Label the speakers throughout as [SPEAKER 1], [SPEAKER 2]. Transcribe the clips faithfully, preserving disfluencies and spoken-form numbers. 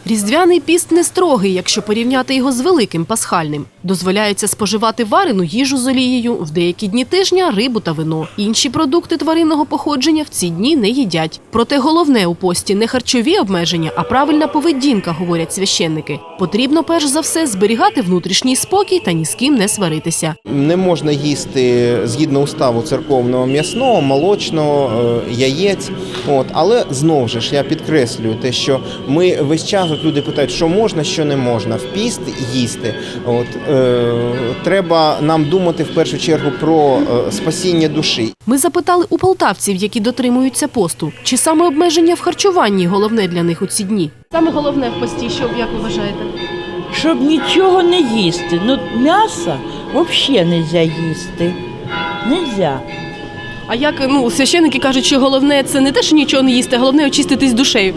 [SPEAKER 1] Різдвяний піст не строгий, якщо порівняти його з великим пасхальним. Дозволяється споживати варену їжу з олією, в деякі дні тижня – рибу та вино. Інші продукти тваринного походження в ці дні не їдять. Проте головне у пості не харчові обмеження, а правильна поведінка, говорять священники. Потрібно перш за все зберігати внутрішній спокій та ні з ким не сваритися.
[SPEAKER 2] Не можна їсти, згідно уставу церковного, м'ясного, молочного, яєць. От. Але знову ж я підкреслюю те, що ми весь час, от люди питають, що можна, що не можна. В піст їсти. От. Е, треба нам думати в першу чергу про е, спасіння душі.
[SPEAKER 1] Ми запитали у полтавців, які дотримуються посту, чи саме обмеження в харчуванні головне для них у ці дні. Саме головне в пості, що, як ви вважаєте?
[SPEAKER 3] Щоб нічого не їсти. Ну, м'ясо взагалі не можна їсти. Нельзя.
[SPEAKER 1] А як, ну, священники кажуть, що головне це не те, що нічого не їсти, а головне очиститись душею.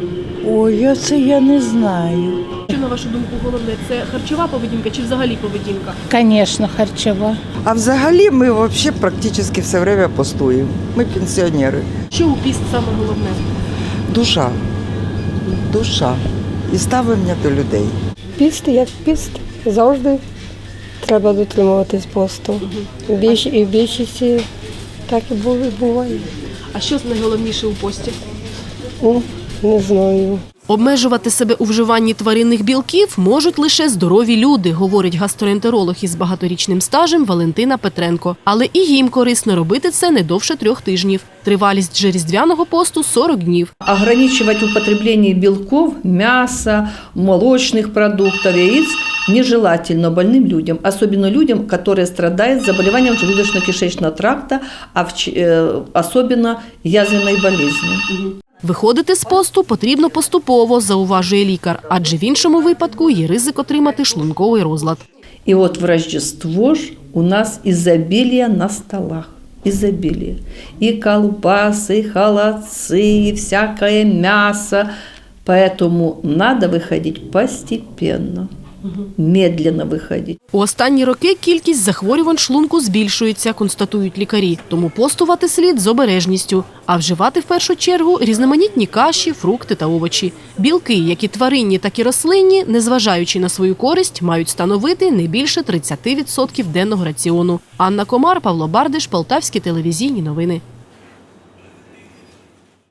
[SPEAKER 3] Ой, це я не знаю.
[SPEAKER 1] Що, на вашу думку, головне, це харчова поведінка чи взагалі поведінка?
[SPEAKER 4] Конечно, харчова.
[SPEAKER 5] А взагалі ми вообще практично все время постуємо. Ми пенсіонери.
[SPEAKER 1] Що у піст саме головне?
[SPEAKER 5] Душа. Душа. І ставлення до людей.
[SPEAKER 6] Піст як піст. Завжди треба дотримуватись посту. Більш, і в більшості так і буває.
[SPEAKER 1] А що найголовніше у пості?
[SPEAKER 6] Ну, не знаю.
[SPEAKER 1] Обмежувати себе у вживанні тваринних білків можуть лише здорові люди, говорить гастроентеролог із багаторічним стажем Валентина Петренко. Але і їм корисно робити це не довше трьох тижнів. Тривалість же різдвяного посту – сорок днів.
[SPEAKER 7] Ограничивать употребление белков, мяса, молочных продуктов, яиц нежелательно больным людям, особенно людям, которые страдают заболеванием желудочно-кишечного тракта, а в, э, особенно язвенной болезнью.
[SPEAKER 1] Виходити з посту потрібно поступово, зауважує лікар, адже в іншому випадку є ризик отримати шлунковий розлад.
[SPEAKER 7] И вот в Рождество ж у нас изобилие на столах. Изобилие. И колбасы, и холодцы, и всякое мясо. Поэтому надо выходить постепенно. Медленно виходить.
[SPEAKER 1] У останні роки кількість захворювань шлунку збільшується, констатують лікарі. Тому постувати слід з обережністю, а вживати в першу чергу різноманітні каші, фрукти та овочі. Білки, як і тваринні, так і рослинні, незважаючи на свою користь, мають становити не більше тридцять відсотків денного раціону. Анна Комар, Павло Бардиш, Полтавські телевізійні новини.